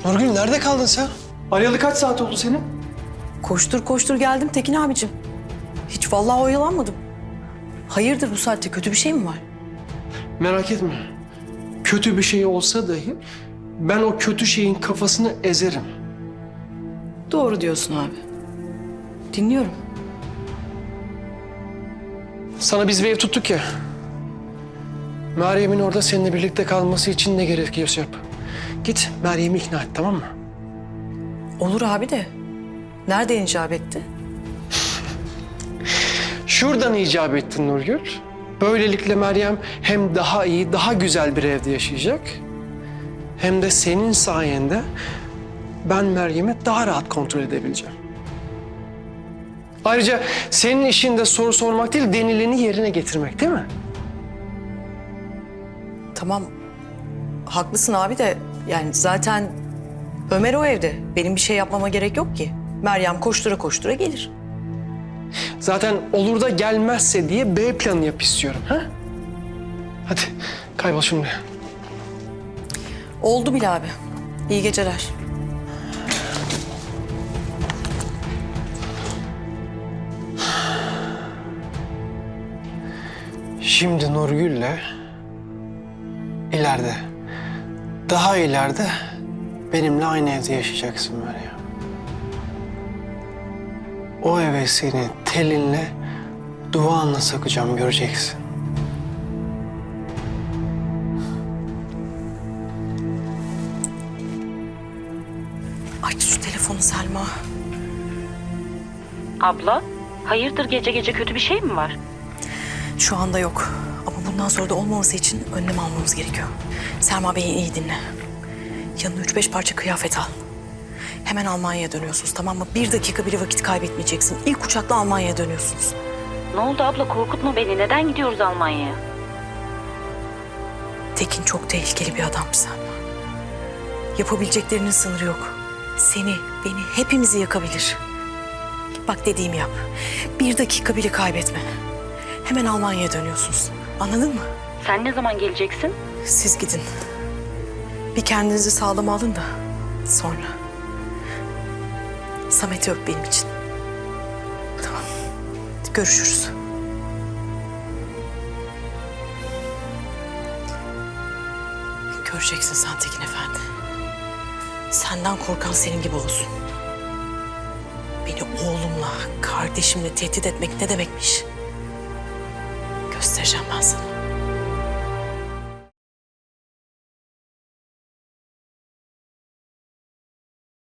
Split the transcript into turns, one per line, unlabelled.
Nurgül nerede kaldın sen? Arayalı kaç saat oldu senin?
Koştur koştur geldim Tekin abicim. Hiç vallahi oyalanmadım. Hayırdır bu saatte kötü bir şey mi var?
Merak etme. Kötü bir şey olsa dahi ben o kötü şeyin kafasını ezerim.
Doğru diyorsun abi. Dinliyorum.
Sana biz bir ev tuttuk ya. Meryem'in orada seninle birlikte kalması için ne gerekiyorsa yap. Git Meryem'i ikna et, tamam mı?
Olur abi de. Nereden icap etti?
Şuradan icap ettin Nurgül. Böylelikle Meryem hem daha iyi, daha güzel bir evde yaşayacak. Hem de senin sayende ben Meryem'i daha rahat kontrol edebileceğim. Ayrıca senin işin de soru sormak değil, denileni yerine getirmek, değil mi?
Tamam. Haklısın abi de yani zaten Ömer o evde. Benim bir şey yapmama gerek yok ki. Meryem koştura koştura gelir.
Zaten olur da gelmezse diye B planı yap istiyorum, ha? Hadi kaybol şimdi.
Oldu bile abi. İyi geceler.
Şimdi Nurgül'le ileride, daha ileride benimle aynı evde yaşayacaksın Meryem. O eve seni telinle, duanla sakacağım, göreceksin.
Aç şu telefonu Selma.
Abla, hayırdır gece gece kötü bir şey mi var?
Şu anda yok. Ama bundan sonra da olmaması için önlem almamız gerekiyor. Selma Bey'i iyi dinle. Yanına 3-5 parça kıyafet al. Hemen Almanya'ya dönüyorsunuz, tamam mı? 1 dakika bile vakit kaybetmeyeceksin. İlk uçakla Almanya'ya dönüyorsunuz.
Ne oldu abla, korkutma beni. Neden gidiyoruz Almanya'ya?
Tekin çok tehlikeli bir adam Selma. Yapabileceklerinin sınırı yok. Seni, beni, hepimizi yakabilir. Bak dediğimi yap. 1 dakika bile kaybetme. Hemen Almanya'ya dönüyorsunuz. Anladın mı?
Sen ne zaman geleceksin?
Siz gidin. Bir kendinizi sağlam alın da sonra. Samet'i öp benim için. Tamam. Görüşürüz. Göreceksin sen Tekin Efendi. Senden korkan senin gibi olsun. Beni oğlumla, kardeşimle tehdit etmek ne demekmiş? Göstereceğim ben sana.